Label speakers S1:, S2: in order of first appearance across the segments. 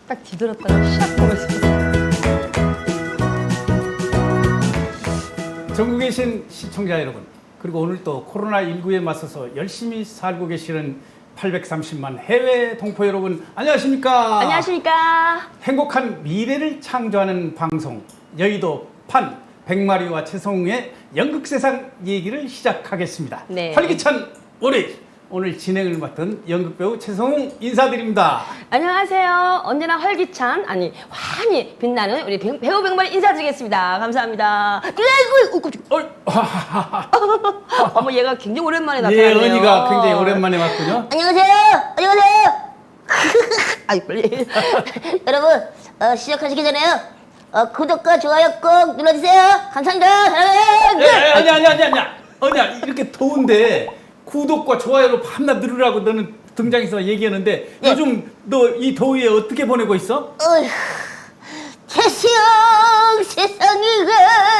S1: 딱 뒤돌았다가 샥 보면서.
S2: 전국에 계신 시청자 여러분, 그리고 오늘 또 코로나19에 맞서서 열심히 살고 계시는 830만 해외 동포 여러분, 안녕하십니까?
S1: 안녕하십니까?
S2: 행복한 미래를 창조하는 방송 여의도 판 백마리와 최성웅의 연극세상 얘기를 시작하겠습니다.
S1: 네.
S2: 활기찬 월요일, 오늘 진행을 맡은 연극배우 최성웅 인사드립니다.
S1: 안녕하세요. 언제나 활기찬, 아니 환히 빛나는 우리 배우 백마리 인사드리겠습니다. 감사합니다. 어머, 얘가 굉장히 오랜만에
S2: 예,
S1: 나타났네요.
S2: 은희가 굉장히 오랜만에 왔군요.
S3: 안녕하세요. 안녕하세요. 아이 빨리. 여러분 시작하시기 전에요. 구독과 좋아요 꼭 눌러주세요. 감사합니다. 사랑해요.
S2: 아니야. 이렇게 더운데 구독과 좋아요로 밤낮 누르라고 너는 등장해서 얘기하는데
S3: 예.
S2: 요즘 너 이 더위에 어떻게 보내고 있어?
S3: 어휴, 태수형 세상이가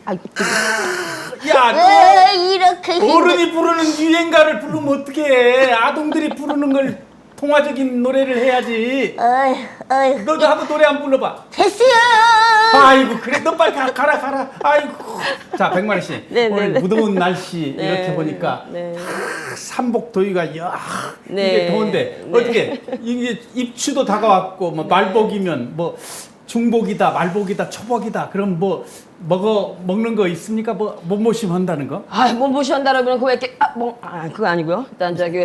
S2: 야,
S3: 왜 이렇게
S2: 너 어른이 부르는 유행가를 부르면 어떡해? 아동들이 부르는 걸 통화적인 노래를 해야지.
S3: 어휴,
S2: 너도 한번 노래 한번 불러봐.
S3: 태수형.
S2: 아이고 그래 너 빨리 가라. 아이고. 자 백마리 씨,
S1: 네,
S2: 오늘
S1: 네.
S2: 무더운 날씨
S1: 네,
S2: 이렇게 보니까
S1: 네.
S2: 삼복 더위가 야
S1: 네.
S2: 이게 더운데
S1: 네.
S2: 어떻게 이게 입추도 다가왔고 뭐 말복이면 뭐 중복이다 말복이다 초복이다 그럼 뭐 먹는 거 있습니까? 뭐 몸보심 한다는 거?
S1: 몸보시 한다라면 그거 이렇게 그거 아니고요. 일단 저기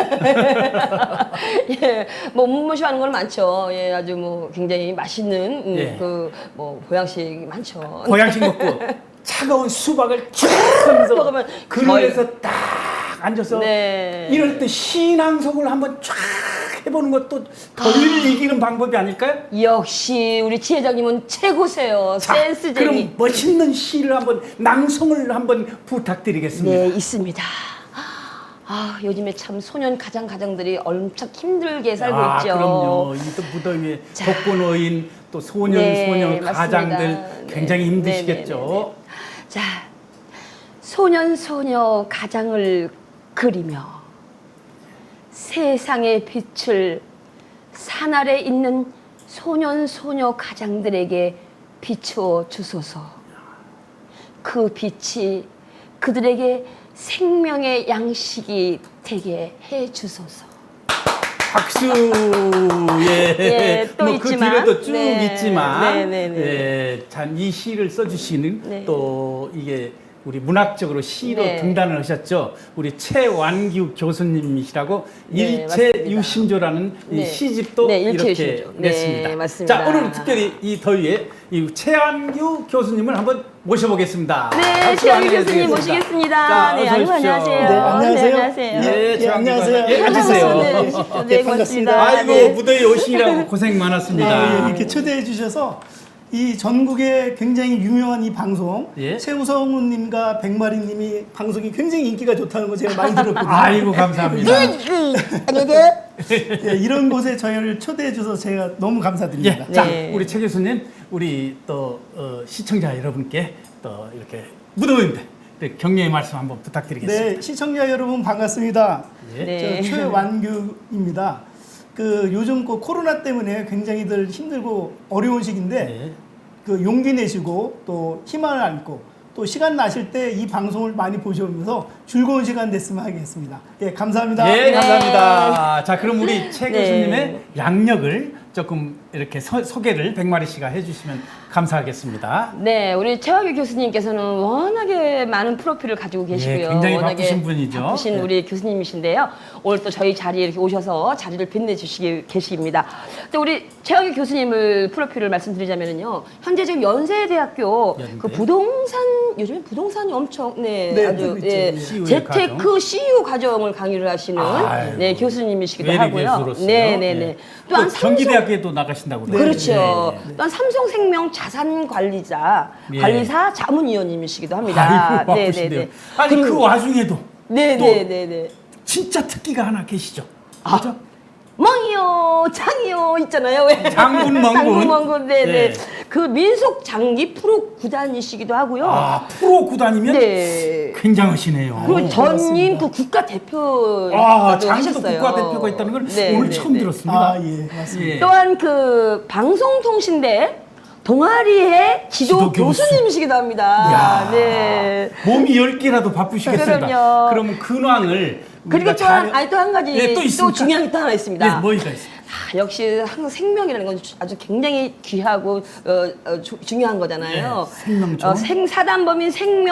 S1: 예, 뭐 몸보시 하는 건 많죠. 예, 아주 뭐 굉장히 맛있는
S2: 예.
S1: 그 뭐 보양식이 많죠.
S2: 보양식 먹고 차가운 수박을 쭉 하면서
S1: 먹으면
S2: 그늘에서 딱 앉아서
S1: 네.
S2: 이럴 때 신앙송을 한번 쫙 해보는 것도 더위를 이기는 방법이 아닐까요?
S1: 역시 우리 지회장님은 최고세요.
S2: 자,
S1: 센스쟁이.
S2: 그럼 멋있는 시를 한번 낭송을 한번 부탁드리겠습니다.
S1: 네, 있습니다. 요즘에 참 소년 가장들이 엄청 힘들게 살고 있죠.
S2: 그럼요. 이 또 무더위에
S1: 자.
S2: 독거노인 또 소년
S1: 네,
S2: 가장들
S1: 맞습니다.
S2: 굉장히
S1: 네.
S2: 힘드시겠죠.
S1: 자, 소녀 가장을 그리며 세상의 빛을 산 아래 있는 소녀 가장들에게 비추어 주소서. 그 빛이 그들에게 생명의 양식이 되게 해 주소서.
S2: 박수.
S1: 예, 또
S2: 뭐 그
S1: 있지만.
S2: 뒤로도 쭉
S1: 네.
S2: 있지만,
S1: 네.
S2: 예, 참 이 시를 써주시는
S1: 네.
S2: 또 이게 우리 문학적으로 시로
S1: 네.
S2: 등단을 하셨죠. 우리 최완규 교수님이시라고
S1: 네,
S2: 일체
S1: 맞습니다.
S2: 유심조라는 이
S1: 네.
S2: 시집도
S1: 네, 일체
S2: 이렇게
S1: 유심조. 네,
S2: 냈습니다.
S1: 맞습니다.
S2: 자, 오늘 특별히 이 더위에 이 최완규 교수님을 한번 모셔보겠습니다.
S1: 네,
S2: 박수
S1: 최완규
S2: 한번
S1: 교수님
S2: 해드리겠습니다.
S1: 모시겠습니다.
S2: 자,
S1: 네,
S2: 어서
S1: 아이고,
S2: 오십시오.
S1: 안녕하세요.
S4: 네, 안녕하세요.
S1: 네, 안녕하세요.
S2: 예,
S4: 예, 안녕하세요.
S2: 예, 앉으세요.
S1: 네, 고맙습니다.
S2: 아이고
S1: 네.
S2: 무더위 오시느라고 고생 많았습니다.
S4: 이렇게 초대해 주셔서 이 전국에 굉장히 유명한 이 방송
S2: 예.
S4: 최우성우님과 백마리님이 방송이 굉장히 인기가 좋다는 거 제가 많이 들었거든요.
S2: 아이고 감사합니다.
S3: 안녕하세요.
S4: 예, 이런 곳에 저희를 초대해 주셔서 제가 너무 감사드립니다.
S2: 예, 자
S1: 네.
S2: 우리 최 교수님, 우리 또 시청자 여러분께 또 이렇게 무더운데 격려의 말씀 한번 부탁드리겠습니다.
S4: 네, 시청자 여러분 반갑습니다.
S2: 예.
S1: 네.
S4: 저 최완규입니다. 그 요즘 그 코로나 때문에 굉장히들 힘들고 어려운 시기인데
S2: 네.
S4: 그 용기 내시고 또 희망을 안고 또 시간 나실 때 이 방송을 많이 보시면서 즐거운 시간 됐으면 하겠습니다. 예, 감사합니다.
S2: 예,
S1: 네.
S2: 감사합니다. 자, 그럼 우리 최
S1: 네.
S2: 교수님의 양력을 조금 이렇게 소개를 백마리 씨가 해주시면 감사하겠습니다.
S1: 네, 우리 최완규 교수님께서는 워낙에 많은 프로필을 가지고 계시고요.
S2: 예, 굉장히
S1: 워낙에
S2: 바쁘신 분이죠.
S1: 바쁘신
S2: 네.
S1: 우리 교수님이신데요. 오늘 또 저희 자리에 이렇게 오셔서 자리를 빛내주시기 계십니다. 또 우리 최완규 교수님을 프로필을 말씀드리자면요. 현재 지금 연세대학교
S2: 연대.
S1: 그 부동산, 요즘에 부동산이 엄청,
S4: 네,
S1: 아주,
S4: 뜨고 있죠.
S1: 예,
S2: CU 의
S1: 재테크
S2: 과정.
S1: CU 과정을 강의를 하시는
S2: 아이고,
S1: 네, 교수님이시기도
S2: 외래
S1: 하고요.
S2: 교수로서요.
S1: 네네네.
S2: 예.
S1: 또 한
S2: 또 경기대학교에도 나가신다고 그래요.
S1: 그렇죠.
S2: 네.
S1: 또한 삼성생명 자산관리사
S2: 예.
S1: 관리사 자문위원님이시기도 합니다.
S2: 아이고 바쁘신데요. 아니
S1: 그리고-
S2: 그 와중에도
S1: 네네네네.
S2: 진짜 특기가 하나 계시죠.
S1: 아.
S2: 그죠?
S1: 멍이요, 장이요 있잖아요. 왜?
S2: 장군, 멍군.
S1: 장군, 멍군. 네네.
S2: 네.
S1: 그 민속 장기 프로 구단이시기도 하고요.
S2: 아, 프로 구단이면
S1: 네.
S2: 굉장하시네요.
S1: 그리고 전임
S4: 고맙습니다.
S1: 그 국가 대표
S2: 아, 장기도
S1: 하셨어요.
S2: 국가대표가 있다는 걸
S1: 네,
S2: 오늘
S1: 네,
S2: 처음
S1: 네.
S2: 들었습니다.
S4: 아, 예, 맞습니다.
S2: 예.
S1: 또한 그 방송통신대 동아리의 지도
S2: 지도 교수.
S1: 교수님이시기도 합니다.
S2: 야.
S1: 네.
S2: 몸이 10개라도 바쁘시겠습니다.
S1: 그럼요.
S2: 그러면 근황을
S1: 그리고
S2: 우리가
S1: 또한 또 한 가지
S2: 예,
S1: 또
S2: 있습니까?
S1: 중요한 게 또 하나 있습니다.
S2: 예, 뭐가 있습니까?
S1: 아, 역시 항상 생명이라는 건 아주 굉장히 귀하고 중요한 거잖아요.
S2: 예, 생명존엄?
S1: 생사단법인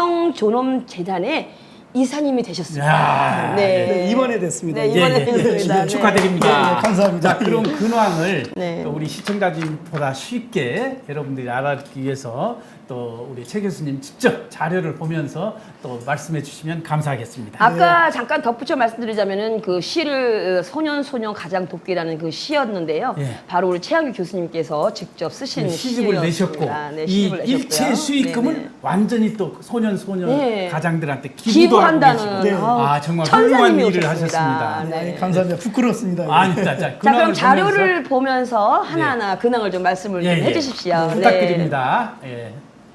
S1: 생명존엄재단의 이사님이 되셨습니다.
S2: 야,
S4: 네, 이번에 됐습니다.
S1: 네, 이번에 됐습니다.
S2: 예, 축하드립니다.
S4: 네, 네, 감사합니다.
S2: 자, 그럼 근황을
S1: 네.
S2: 또 우리 시청자님보다 쉽게 여러분들이 알아듣기 위해서 또 우리 최 교수님 직접 자료를 보면서 또 말씀해 주시면 감사하겠습니다.
S1: 아까 잠깐 덧붙여 말씀드리자면은 그 시를 소년 가장 돕기라는 그 시였는데요.
S2: 예.
S1: 바로 우리 최양규 교수님께서 직접 쓰신
S2: 시집을 내셨고
S1: 시였습니다. 네,
S2: 이
S1: 시집을 내셨고요.
S2: 일체 수익금을
S1: 네네.
S2: 완전히 또 소년
S1: 네.
S2: 가장들한테 기부도 하고
S1: 기부한다는
S2: 계시고
S1: 아우,
S2: 아 정말 훌륭한
S1: 천사님이
S2: 일을
S1: 오셨습니다.
S2: 하셨습니다.
S1: 네.
S4: 네, 감사합니다. 부끄럽습니다.
S2: 아니, 자,
S1: 자, 그럼
S2: 근황을
S1: 자료를 보면서 하나하나 근황을 좀 말씀을
S2: 예,
S1: 좀
S2: 예.
S1: 해주십시오. 네.
S2: 부탁드립니다. 예.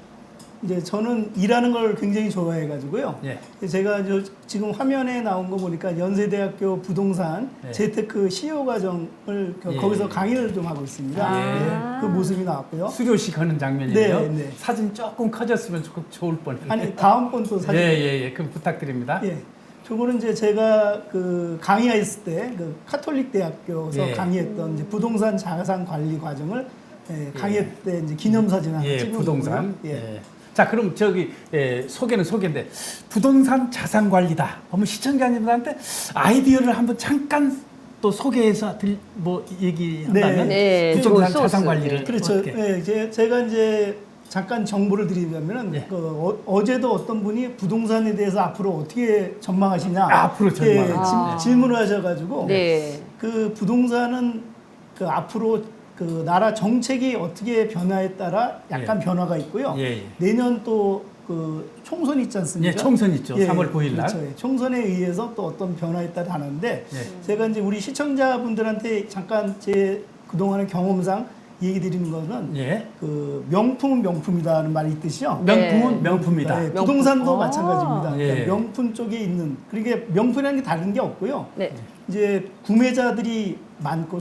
S4: 이제 저는 일하는 걸 굉장히 좋아해가지고요.
S2: 예.
S4: 제가 지금 화면에 나온 거 보니까 연세대학교 부동산
S2: 예.
S4: 재테크 CEO 과정을
S2: 예.
S4: 거기서 강의를 좀 하고 있습니다.
S1: 아.
S4: 네, 그 모습이 나왔고요.
S2: 수료식 하는 장면이에요.
S4: 네, 네.
S2: 사진 조금 커졌으면 좋을 뻔했는데.
S4: 아니 다음번 또 사진.
S2: 예. 그럼 부탁드립니다.
S4: 예. 저거는 이제 제가 그 강의했을 때 그 카톨릭 대학교에서
S2: 예.
S4: 강의했던 이제 부동산 자산 관리 과정을 강의 때 이제 기념사진 하나
S2: 예,
S4: 찍은
S2: 부동산.
S4: 거고요.
S2: 예. 자, 그럼 저기 소개는 소개인데 부동산 자산 관리다. 그러면 시청자님들한테 아이디어를 한번 잠깐 또 소개해서 뭐 얘기한다면
S1: 네.
S2: 부동산
S1: 좋은
S2: 자산
S1: 소스.
S2: 관리를
S4: 그렇죠.
S2: 어떻게?
S4: 예, 제가 이제 잠깐 정보를 드리자면은
S2: 예.
S4: 어제도 어떤 분이 부동산에 대해서 앞으로 어떻게 전망하시냐
S2: 앞으로 전망.
S1: 아.
S4: 질문을 하셔가지고
S1: 네.
S4: 그 부동산은 그 앞으로 그 나라 정책이 어떻게 변화에 따라 약간 변화가 있고요.
S2: 예.
S4: 내년 또 그 총선 있지 않습니까?
S2: 예, 총선 있죠. 3월 9일 날.
S4: 그렇죠. 예, 총선에 의해서 또 어떤 변화에 따라 하는데
S2: 예.
S4: 제가 이제 우리 시청자분들한테 잠깐 제 그동안의 경험상 얘기 드리는 거는
S2: 예.
S4: 그 명품은 명품이다는 말이 있듯이요.
S2: 명품은
S1: 네.
S2: 명품이다.
S4: 예,
S1: 명품.
S4: 부동산도
S1: 아.
S4: 마찬가지입니다. 그러니까
S2: 예.
S4: 명품 쪽에 있는 그러니까 명품이라는 게 다른 게 없고요.
S1: 네.
S4: 이제 구매자들이 많고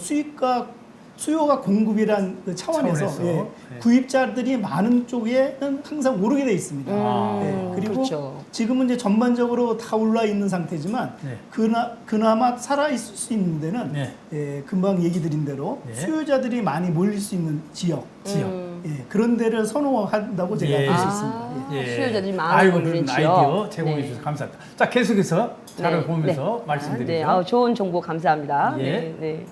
S4: 수요가 공급이란 그 차원에서
S2: 차원에서.
S4: 예,
S2: 예.
S4: 구입자들이 많은 쪽에는 항상 오르게 돼 있습니다. 예, 그리고
S1: 그렇죠.
S4: 지금은 이제 전반적으로 다 올라 있는 상태지만
S2: 네.
S4: 그나마 살아 있을 수 있는 데는
S2: 네.
S4: 예, 금방 얘기 드린 대로
S2: 네.
S4: 수요자들이 많이 몰릴 수 있는 지역,
S2: 지역.
S4: 예, 그런 데를 선호한다고 제가
S2: 예.
S4: 알 수 있습니다. 예.
S1: 수요자들이 많은
S2: 아이고,
S1: 걸리는
S2: 그런
S1: 지역.
S2: 아이디어 제공해
S1: 네.
S2: 주셔서 감사합니다. 자, 계속해서 자료
S1: 네.
S2: 보면서
S1: 네.
S2: 말씀드리죠.
S1: 네. 아우, 좋은 정보 감사합니다.
S2: 예.
S1: 네. 네.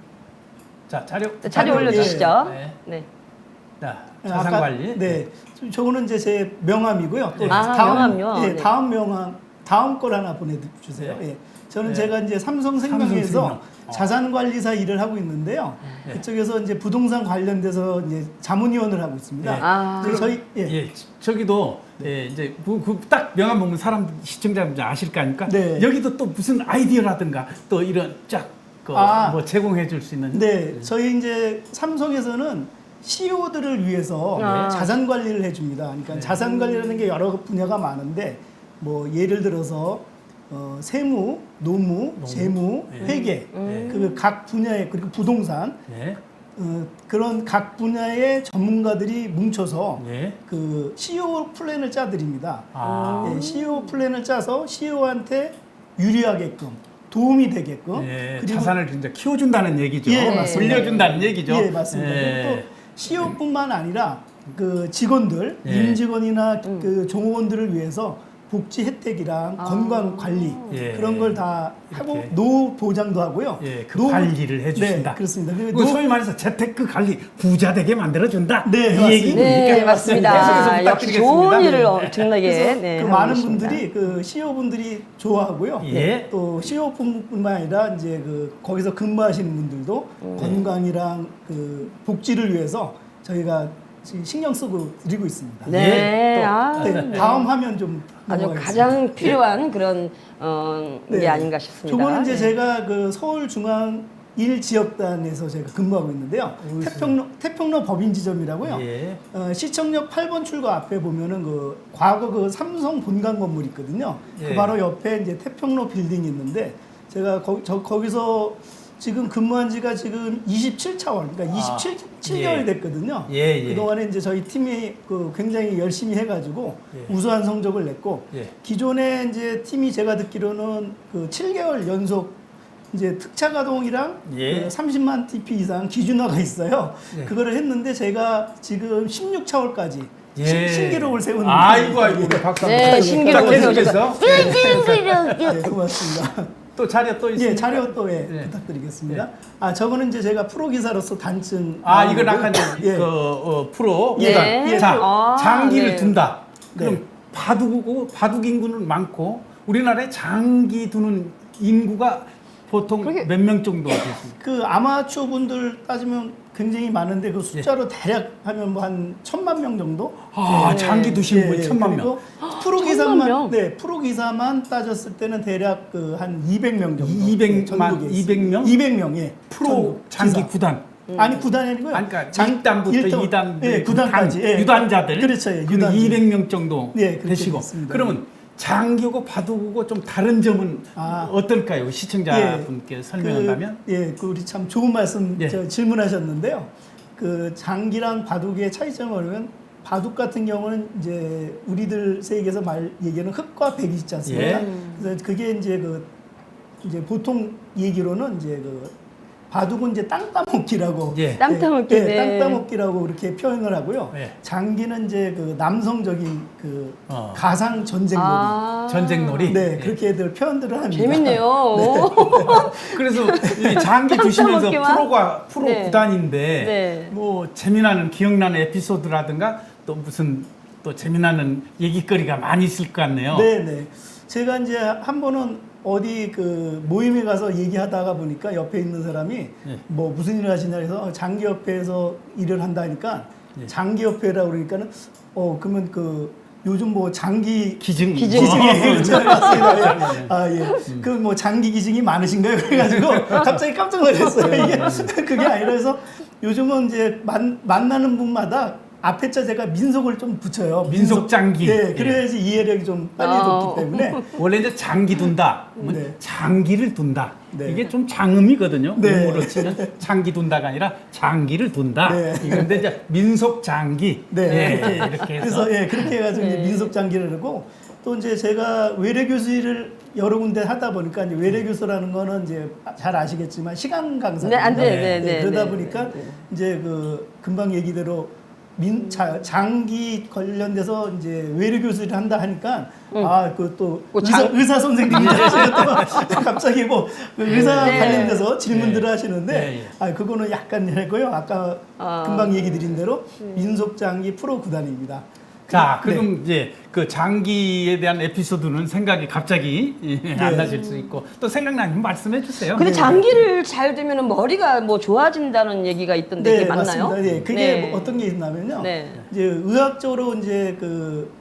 S2: 자, 자료
S1: 자료 올려주시죠.
S2: 네.
S1: 네.
S2: 자,
S4: 아까-
S2: 자산 관리.
S4: 네. 저거는 이제 제 명함이고요. 또
S1: 아, 명함요?
S4: 예,
S1: 네.
S4: 다음 명함, 다음 걸 하나 보내주세요.
S2: 네.
S4: 예. 저는
S2: 네.
S4: 제가 이제 삼성생명에서
S2: 삼성생명.
S4: 자산관리사 일을 하고 있는데요.
S2: 네.
S4: 그쪽에서 이제 부동산 관련돼서 이제 자문위원을 하고 있습니다.
S2: 네.
S1: 아.
S4: 그래서 저희
S2: 예, 저기도 예, 이제 딱 명함 보면 사람 시청자분들 아실 거 아닙니까?
S4: 네.
S2: 여기도 또 무슨 아이디어라든가 또 이런 쫙뭐
S4: 아.
S2: 제공해 줄 수 있는
S4: 네, 저희 이제 삼성에서는 CEO들을 위해서
S1: 아.
S4: 자산 관리를 해줍니다. 그러니까
S2: 네.
S4: 자산 관리라는 게 여러 분야가 많은데 뭐 예를 들어서 세무, 노무, 재무,
S2: 네.
S4: 회계,
S2: 네.
S4: 그 각 분야의 그리고 부동산
S2: 네.
S4: 그런 각 분야의 전문가들이 뭉쳐서
S2: 예.
S4: 그 CEO 플랜을 짜드립니다.
S2: 아.
S4: 예, CEO 플랜을 짜서 CEO한테 유리하게끔 도움이 되게끔
S2: 예,
S4: 그리고
S2: 자산을 이제 키워준다는 얘기죠.
S4: 예, 맞습니다.
S2: 물려준다는 얘기죠.
S4: 예, 맞습니다.
S2: 예.
S4: 그리고 또 CEO뿐만 아니라 그 직원들,
S2: 예.
S4: 임직원이나 그 종업원들을 위해서 복지 혜택이랑 건강 관리
S2: 예.
S4: 그런 걸 다 하고
S2: 이렇게.
S4: 노후 보장도 하고요.
S2: 예, 그 관리를 해주신다.
S4: 네, 그렇습니다. 그리고
S2: 그 소위 말해서 재테크 관리 부자 되게 만들어준다.
S4: 네,
S2: 이
S4: 맞습니다.
S2: 얘기입니까?
S1: 네, 맞습니다.
S2: 계속해서
S1: 역시 좋은
S2: 부탁드리겠습니다.
S1: 일을
S2: 네.
S1: 엄청나게
S4: 그래서
S1: 네,
S4: 그
S1: 하고
S4: 많은
S1: 계십니다.
S4: 분들이 그 CEO 분들이 좋아하고요.
S2: 예.
S4: 또 CEO뿐만 아니라 이제 그 거기서 근무하시는 분들도 건강이랑 그 복지를 위해서 저희가 지금 신경 쓰고 드리고 있습니다.
S1: 네.
S4: 또,
S1: 아,
S4: 네,
S1: 네.
S4: 다음 화면 좀
S1: 아주
S4: 넘어가겠습니다.
S1: 가장 필요한 그런 게
S4: 네.
S1: 아닌가 싶습니다.
S4: 저거는 이제
S1: 네.
S4: 제가 그 서울중앙 1지역단에서 제가 근무하고 있는데요. 태평로 법인지점이라고요.
S2: 예.
S4: 시청역 8번 출구 앞에 보면은 그 과거 그 삼성 본관 건물 있거든요.
S2: 예.
S4: 그 바로 옆에 이제 태평로 빌딩이 있는데 제가 거기서 지금 근무한 지가 지금 27차월, 그러니까 27개월
S2: 예.
S4: 됐거든요.
S2: 예, 예.
S4: 그동안에 이제 저희 팀이 그 굉장히 열심히 해가지고
S2: 예.
S4: 우수한 성적을 냈고
S2: 예.
S4: 기존에 이제 팀이 제가 듣기로는 그 7개월 연속 이제 특차 가동이랑
S2: 예.
S4: 그 30만 TP 이상 기준화가 있어요.
S2: 예.
S4: 그거를 했는데 제가 지금 16차월까지
S2: 예.
S4: 신기록을 세운
S2: 아이고 박수.
S1: 네, 신기록을
S2: 계속해서
S4: 네, 고맙습니다.
S2: 또 자료 또 있습니다.
S4: 예, 자료 또
S2: 예.
S4: 부탁드리겠습니다. 저거는 이제 제가 프로 기사로서 단층.
S2: 이건 아까 이제
S4: 예.
S2: 프로
S1: 예.
S2: 구단.
S4: 예.
S2: 자,
S1: 아,
S2: 장기를
S1: 네.
S2: 둔다. 그럼
S4: 네.
S2: 바둑 인구는 많고 우리나라에 장기 두는 인구가 보통
S1: 그러게-
S2: 몇 명 정도 되십니까?
S4: 그 아마추어 분들 따지면 굉장히 많은데 그 숫자로 대략 하면 뭐 한 1,000만 명 정도?
S2: 장기 두신 분이 1,000만 명.
S4: 그리고 프로
S1: 1,000만
S4: 기사만
S1: 명?
S4: 네, 프로 기사만 따졌을 때는 대략 그 한 200명 정도.
S2: 200만,
S4: 전국에 있습니다.
S2: 200명?
S4: 200명, 예.
S2: 프로
S4: 전국
S2: 장기
S4: 기사.
S2: 구단.
S4: 아니 구단이 아니고요.
S2: 아니, 그러니까 1단부터 2단,
S4: 예, 구단까지. 예.
S2: 유단자들.
S4: 그렇죠. 예,
S2: 그럼
S4: 유단지.
S2: 200명 정도
S4: 예, 그렇게
S2: 되시고.
S4: 됐습니다.
S2: 그러면 장기하고 바둑하고 좀 다른 점은 어떨까요? 시청자분께 설명한다면?
S4: 그 우리 참 좋은 말씀
S2: 예.
S4: 질문하셨는데요. 그 장기랑 바둑의 차이점을 보면 바둑 같은 경우는 이제 우리들 세계에서 얘기하는 흑과 백이 있지 않습니까?
S2: 예.
S4: 그래서 그게 이제 이제 보통 얘기로는 이제 바둑은 이제 땅 따먹기라고.
S2: 예.
S1: 땅 따먹기,
S4: 예,
S1: 네.
S4: 땅 따먹기라고 그렇게 표현을 하고요.
S2: 예.
S4: 장기는 이제 남성적인
S2: 어.
S4: 가상 전쟁놀이.
S2: 전쟁놀이.
S4: 네,
S2: 예.
S4: 그렇게들 표현들을 합니다.
S1: 재밌네요.
S2: 그래서 이 장기 두시면서
S1: 먹기만?
S2: 프로
S1: 네.
S2: 구단인데
S1: 네.
S2: 뭐 재미나는 기억나는 에피소드라든가 또 무슨 또 재미나는 얘기거리가 많이 있을 것 같네요.
S4: 네, 네. 제가 이제 한 번은 어디 그 모임에 가서 얘기하다가 보니까 옆에 있는 사람이
S2: 예.
S4: 뭐 무슨 일을 하시냐 해서 장기협회에서 일을 한다니까
S2: 예.
S4: 장기협회라고 그러니까는 그러면 요즘 뭐 장기
S2: 기증.
S1: 기증.
S4: 기증이 그렇죠. 맞습니다.
S2: 예.
S4: 그 뭐 장기 기증이 많으신가요? 그래가지고 갑자기 깜짝 놀랐어요. 이게 그게 아니라 해서 요즘은 이제 만나는 분마다 앞에 자 제가 민속을 좀 붙여요.
S2: 민속장기.
S4: 네, 그래야지 이해력이 좀 빨리 돋기 때문에.
S2: 원래 이제 장기 둔다. 그러면
S4: 네.
S2: 장기를 둔다.
S4: 네.
S2: 이게 좀 장음이거든요.
S4: 네.
S2: 음으로 치면 장기 둔다가 아니라 장기를 둔다.
S4: 네.
S2: 이건데 이제 민속 장기.
S4: 네,
S2: 예, 이렇게 해서.
S4: 그래서 그렇게 해가지고 이제 민속 장기를 하고 또 이제 제가 외래 교수를 여러 군데 하다 보니까 이제 외래 교수라는 거는 이제 잘 아시겠지만 시간 강사.
S1: 네, 안 돼, 네, 네,
S4: 그러다
S1: 네,
S4: 보니까
S1: 네, 네.
S4: 이제 금방 얘기대로 장기 관련돼서 이제 외래 교수를 한다 하니까 그또
S1: 뭐
S4: 의사 선생님이시니까 갑자기 그 의사
S1: 네.
S4: 관련돼서 질문들을 하시는데
S2: 네, 예.
S4: 그거는 약간 했고요. 아까 금방 얘기 드린 대로 민속 장기 프로 구단입니다.
S2: 자,
S4: 네.
S2: 그럼 이제 그 장기에 대한 에피소드는 생각이 갑자기 안 나실 수 있고 또 생각나면 말씀해 주세요.
S1: 근데 장기를 잘 두면 머리가 뭐 좋아진다는 얘기가 있던데 그게 맞나요?
S4: 맞습니다. 네, 그게
S1: 네.
S4: 어떤 게 있냐면요.
S1: 네.
S4: 이제 의학적으로 이제 그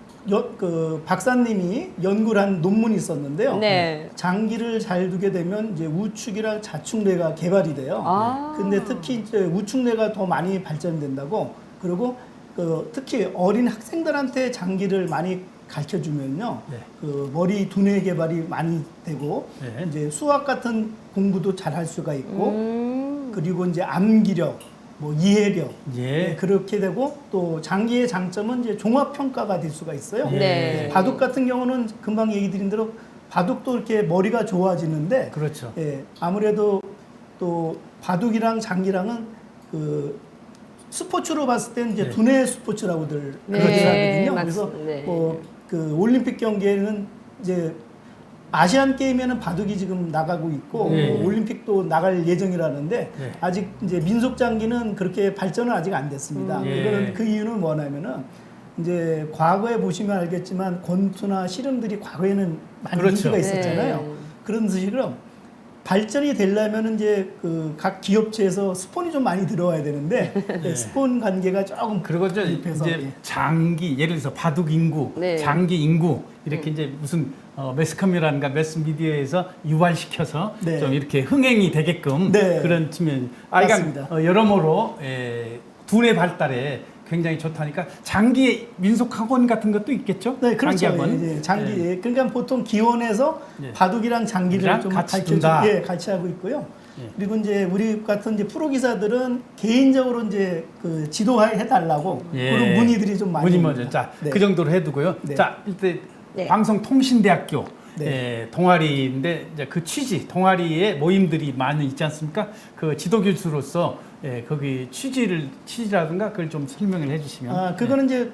S4: 박사님이 연구를 한 논문이 있었는데요.
S1: 네.
S4: 장기를 잘 두게 되면 이제 우측이랑 자축뇌가 개발이 돼요. 근데 특히 이제 우측뇌가 더 많이 발전된다고. 그리고 특히 어린 학생들한테 장기를 많이 가르쳐 주면요.
S2: 네.
S4: 머리 두뇌 개발이 많이 되고
S2: 네.
S4: 이제 수학 같은 공부도 잘 할 수가 있고 그리고 이제 암기력, 뭐 이해력
S2: 예.
S4: 그렇게 되고 또 장기의 장점은 이제 종합 평가가 될 수가 있어요.
S1: 네.
S4: 바둑 같은 경우는 금방 얘기 드린 대로 바둑도 이렇게 머리가 좋아지는데
S2: 그렇죠.
S4: 아무래도 또 바둑이랑 장기랑은 스포츠로 봤을 때는 이제
S2: 네.
S4: 두뇌 스포츠라고들
S1: 네,
S4: 그러더라고요. 그래서
S1: 맞습니다.
S4: 그 올림픽 경기에는 이제 아시안 게임에는 바둑이 지금 나가고 있고
S2: 네.
S4: 올림픽도 나갈 예정이라는데
S2: 네.
S4: 아직 이제 민속 장기는 그렇게 발전은 아직 안 됐습니다.
S2: 예.
S4: 이거는 그 이유는 뭐냐면은 이제 과거에 보시면 알겠지만 권투나 씨름들이 과거에는 많이
S2: 그렇죠.
S4: 인기가 있었잖아요.
S1: 네.
S4: 그런 식으로 발전이 되려면 이제 그 각 기업체에서 스폰이 좀 많이 들어와야 되는데 네, 스폰 관계가 조금
S2: 그리고
S4: 급해서,
S2: 이제
S4: 예.
S2: 장기 예를 들어서 바둑 인구,
S1: 네.
S2: 장기 인구 이렇게 이제 무슨 매스컴이라든가 매스미디어에서 유발시켜서
S4: 네.
S2: 좀 이렇게 흥행이 되게끔
S4: 네.
S2: 그런 측면.
S4: 맞습니다.
S2: 여러모로 두뇌 발달에 굉장히 좋다니까 장기 민속학원 같은 것도 있겠죠?
S4: 네, 그렇죠.
S2: 장기학원.
S4: 예, 장기.
S2: 예.
S4: 예. 그러니까 보통 기원에서
S2: 예.
S4: 바둑이랑 장기를
S2: 이랑
S4: 좀
S2: 같이
S4: 가르쳐
S2: 둔다.
S4: 예, 같이 하고 있고요.
S2: 예.
S4: 그리고 이제 우리 같은 이제 프로 기사들은 개인적으로 이제 그 지도해 달라고
S2: 예.
S4: 그런 문의들이 좀 많이
S2: 문의
S4: 옵니다.
S2: 먼저. 자,
S4: 네.
S2: 그 정도로 해두고요.
S4: 네.
S2: 자, 일단
S1: 네.
S2: 방송통신대학교
S4: 네.
S2: 동아리인데 이제 그 취지, 동아리에 모임들이 많이 있지 않습니까? 그 지도 교수로서 거기 취지라든가 그걸 좀 설명을 해주시면.
S4: 아, 그거는 이제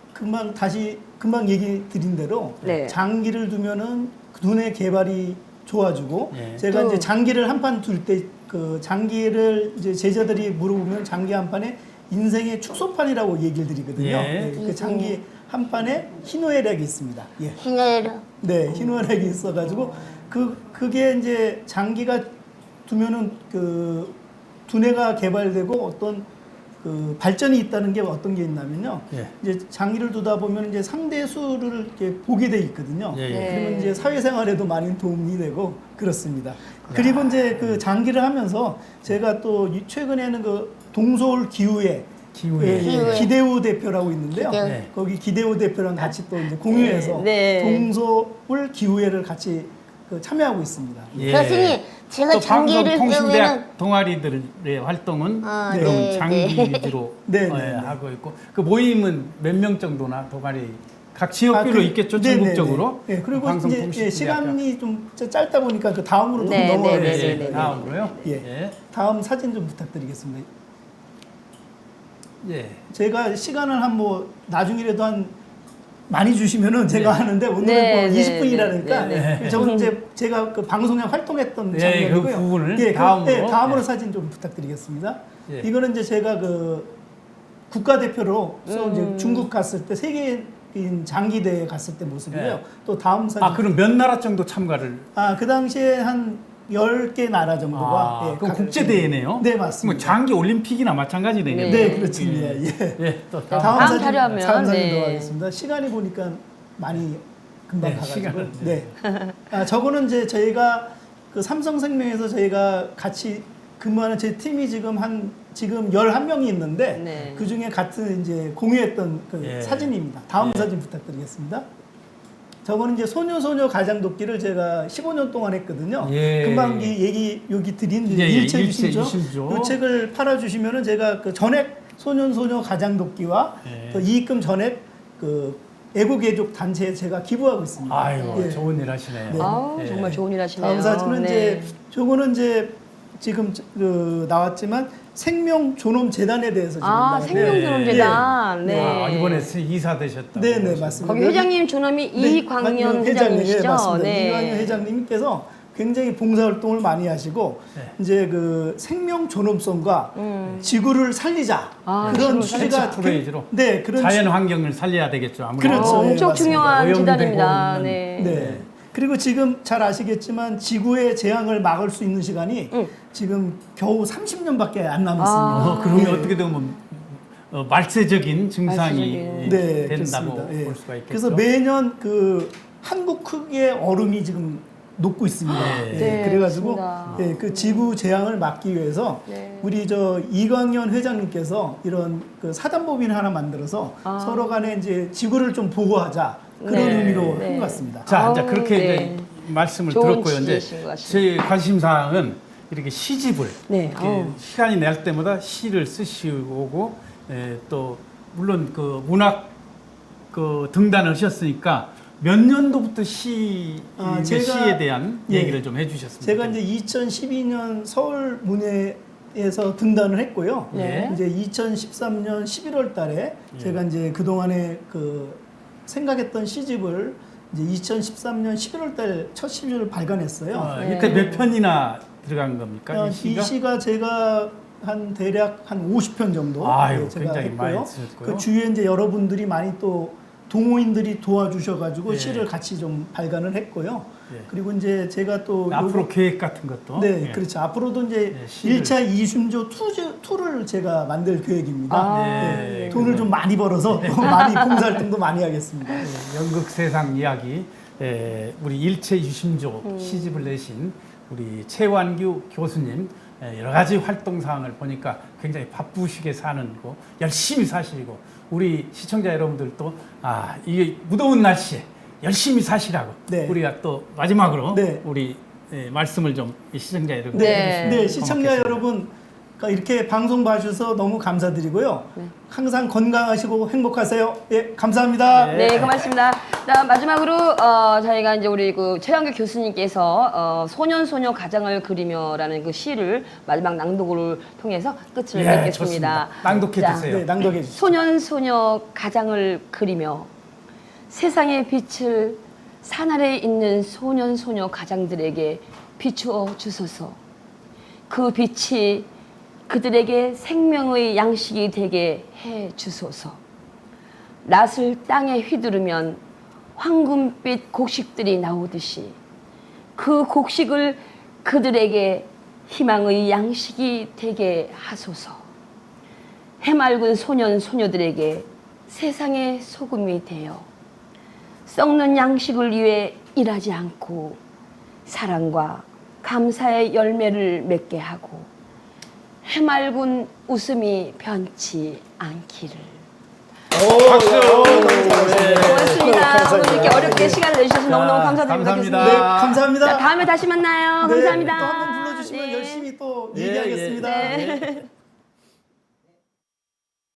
S4: 금방 얘기 드린 대로
S1: 네.
S4: 장기를 두면은 두뇌 개발이 좋아지고
S2: 예.
S4: 제가
S1: 또-
S4: 이제 장기를 한 판 둘 때 그 장기를 이제 제자들이 물어보면 장기 한 판에 인생의 축소판이라고 얘기를 드리거든요.
S2: 예.
S4: 그 장기 한 판에 희노애락이 있습니다. 예.
S3: 희노애락.
S4: 네, 희노애락이 있어가지고 그게 이제 장기가 두면은 그 두뇌가 개발되고 어떤 그 발전이 있다는 게 어떤 게 있냐면요.
S2: 예.
S4: 이제 장기를 두다 보면 이제 상대 수를 이렇게 보게 돼 있거든요.
S2: 예, 예.
S1: 네.
S4: 그러면 이제 사회생활에도 많이 도움이 되고 그렇습니다. 그리고 이제 그 장기를 하면서 제가 또 최근에는 그 동서울 기후에
S2: 기후에.
S3: 기후에.
S4: 기대우 대표라고 있는데요.
S3: 기대우.
S2: 네.
S4: 거기 기대우 대표랑 같이 또 이제 공유해서
S1: 네.
S4: 동서울 기후회를 같이 그 참여하고 있습니다.
S2: 예.
S3: 교수님, 제가
S2: 또
S3: 장기를 배우면은
S2: 방송통신대학 동아리들의 활동은
S3: 아,
S2: 그럼
S3: 네,
S2: 장기
S3: 네.
S2: 위주로
S4: 네, 네, 네.
S2: 하고 있고 그 모임은 몇 명 정도나 동아리 각 지역별로 있겠죠, 전국적으로.
S4: 네, 그리고 이제
S2: 방송통신대학교.
S4: 시간이 좀 짧다 보니까 그 다음으로 좀
S1: 네, 네, 네, 네,
S4: 넘어가겠습니다.
S1: 네.
S2: 다음으로요.
S4: 예. 다음 사진 좀 부탁드리겠습니다.
S2: 예.
S4: 제가 시간을 한 뭐 나중이라도 한 많이 주시면은 제가
S2: 네.
S4: 하는데 오늘은
S1: 네,
S4: 뭐
S1: 네,
S4: 20분이라니까
S1: 네,
S2: 네.
S4: 저는 이제 제가 그 방송에 활동했던
S2: 네,
S4: 장면이고요.
S2: 그 부분을
S4: 예,
S2: 다음으로.
S4: 다음으로
S2: 네.
S4: 사진 좀 부탁드리겠습니다.
S2: 예.
S4: 이거는 이제 제가 그 국가대표로서 이제 중국 갔을 때 세계인 장기대회 갔을 때 모습이고요.
S2: 예.
S4: 또 다음 사진.
S2: 그럼 몇 나라 정도 참가를?
S4: 그 당시에 한 10개 나라 정도가
S2: 그럼
S4: 각-
S2: 국제대회네요?
S4: 네, 맞습니다.
S2: 뭐 장기 올림픽이나 마찬가지네요.
S1: 네.
S4: 네, 그렇습니다. 예.
S2: 예, 또
S1: 다음
S4: 사진,
S1: 자료하면,
S4: 다음 사진
S1: 네.
S4: 들어가겠습니다. 시간이 보니까 많이 금방
S2: 네,
S4: 가가지고.
S2: 시간은,
S4: 네. 저거는 이제 저희가 그 삼성생명에서 저희가 같이 근무하는 제 팀이 지금 11명이 있는데
S1: 네.
S4: 그 중에 같은 이제 공유했던 그
S2: 예.
S4: 사진입니다. 다음
S2: 예.
S4: 사진 부탁드리겠습니다. 저거는 이제 소녀 가장돕기를 제가 15년 동안 했거든요.
S2: 예.
S4: 금방 여기 드린
S2: 예, 예,
S4: 일체
S2: 일체
S4: 유심조.
S2: 유심조.
S4: 이 책을 팔아주시면은 제가 그 전액 소녀 가장돕기와
S2: 예.
S4: 또 이익금 전액 그 애국애족 단체에 제가 기부하고 있습니다.
S2: 아유,
S4: 예.
S2: 좋은 일 하시네요.
S4: 네.
S1: 아우,
S2: 예.
S1: 정말 좋은 일 하시네요.
S4: 다음 사진은
S1: 네.
S4: 이제 저거는 이제 지금 그 나왔지만 생명존엄재단에 대해서 지금 나왔는데
S1: 생명존엄재단.
S4: 네.
S1: 네.
S2: 이번에 이사 되셨다고.
S4: 네, 맞습니다.
S1: 거기 회장님 존엄이 이광년 회장님이시죠?
S4: 네, 맞습니다.
S1: 네.
S4: 이광년 회장님께서 굉장히 봉사활동을 많이 하시고
S2: 네.
S4: 이제 그 생명존엄성과 지구를 살리자
S1: 지구를
S4: 그런
S2: 살리자.
S4: 취지가
S2: 프로이즈로.
S4: 네, 그런
S2: 자연 환경을 살려야 되겠죠. 아무래도.
S4: 그렇죠. 예,
S1: 엄청
S4: 맞습니다.
S1: 중요한
S2: 오염되고
S1: 기단입니다.
S2: 있는-
S1: 네.
S4: 네. 그리고 지금 잘 아시겠지만 지구의 재앙을 막을 수 있는 시간이 지금 겨우 30년밖에 안 남았습니다.
S2: 그러면
S4: 예.
S2: 어떻게 보면 말세적인 증상이
S1: 말세적인.
S4: 네,
S2: 된다고
S4: 그렇습니다. 예.
S2: 볼 수가 있겠죠.
S4: 그래서 매년 그 한국 크기의 얼음이 지금 녹고 있습니다.
S2: 네.
S4: 예,
S1: 네,
S4: 그래가지고
S1: 맞습니다.
S4: 예, 그 지구 재앙을 막기 위해서
S1: 네.
S4: 우리 저 이광현 회장님께서 이런 그 사단법인을 하나 만들어서 서로 간에 이제 지구를 좀 보호하자 그런
S1: 네.
S4: 의미로
S1: 네.
S4: 한 것 같습니다.
S2: 자, 이제
S1: 아우,
S2: 그렇게
S1: 네.
S2: 이제 말씀을
S1: 좋은
S2: 들었고요. 이제
S1: 취지이신 것 같습니다.
S2: 제 관심 사항은 이렇게 시집을
S1: 네,
S2: 이렇게
S1: 아우.
S2: 시간이 날 때마다 시를 쓰시고 또 물론 그 문학 그 등단을 하셨으니까 몇 년도부터
S4: 제가-
S2: 시에 대한
S4: 예.
S2: 얘기를 좀 해주셨습니다.
S4: 제가 이제 2012년 서울 문예에서 등단을 했고요.
S1: 네.
S4: 이제 2013년 11월 달에 제가 이제 그동안에 그 생각했던 시집을 이제 2013년 11월 달 첫 시집을 발간했어요.
S1: 네.
S2: 이때 몇 편이나 들어간 겁니까? 이 시가?
S4: 이 시가 제가 한 대략 한 50편 정도
S2: 아유,
S4: 제가
S2: 굉장히
S4: 했고요.
S2: 많이 쓰셨고요.
S4: 그 주위에 이제 여러분들이 많이 또 동호인들이 도와주셔가지고
S2: 예.
S4: 시를 같이 좀 발간을 했고요.
S2: 예.
S4: 그리고 이제 제가 또
S2: 앞으로
S4: 요거-
S2: 계획 같은 것도
S4: 네,
S2: 예.
S4: 그렇죠. 앞으로도 이제
S2: 예, 시를.
S4: 1차 이순조 2를 제가 만들 계획입니다.
S1: 아,
S2: 네.
S4: 네, 돈을 좀 많이 벌어서 더 많이 봉사활동도 많이 하겠습니다.
S2: 예, 연극 세상 이야기 우리 일체 유심조 시집을 내신 우리 최완규 교수님 여러 가지 활동 사항을 보니까 굉장히 바쁘시게 사는 거 열심히 사시고 우리 시청자 여러분들도 이게 무더운 날씨에 열심히 사시라고
S4: 네.
S2: 우리가 또 마지막으로
S4: 네.
S2: 우리 말씀을 좀 시청자 여러분
S1: 네.
S4: 네, 시청자 여러분 이렇게 방송 봐주셔서 너무 감사드리고요. 항상 건강하시고 행복하세요. 예, 감사합니다.
S1: 네, 고맙습니다. 자, 마지막으로 저희가 이제 우리 그 최양규 교수님께서 소년소녀 가장을 그리며라는 그 시를 마지막 낭독을 통해서 끝을
S2: 예,
S1: 맺겠습니다.
S2: 좋습니다. 낭독해
S1: 자,
S2: 주세요.
S4: 네, 낭독해 주시죠.
S1: 소년소녀 가장을 그리며 세상의 빛을 산 아래에 있는 소년소녀 가장들에게 비추어 주소서. 그 빛이 그들에게 생명의 양식이 되게 해 주소서. 낫을 땅에 휘두르면 황금빛 곡식들이 나오듯이 그 곡식을 그들에게 희망의 양식이 되게 하소서. 해맑은 소년 소녀들에게 세상의 소금이 되어 썩는 양식을 위해 일하지 않고 사랑과 감사의 열매를 맺게 하고 해맑은 웃음이 변치 않기를.
S2: 박수.
S1: 고맙습니다. 오늘 이렇게 어렵게 시간을 내주셔서 너무너무 감사드립니다.
S2: 감사합니다.
S1: 교수님.
S4: 네, 감사합니다.
S1: 자, 다음에 다시 만나요.
S4: 네,
S1: 감사합니다.
S4: 또 한 번 불러주시면
S1: 네.
S4: 열심히 또
S2: 예,
S4: 얘기하겠습니다.
S2: 예.
S4: 네.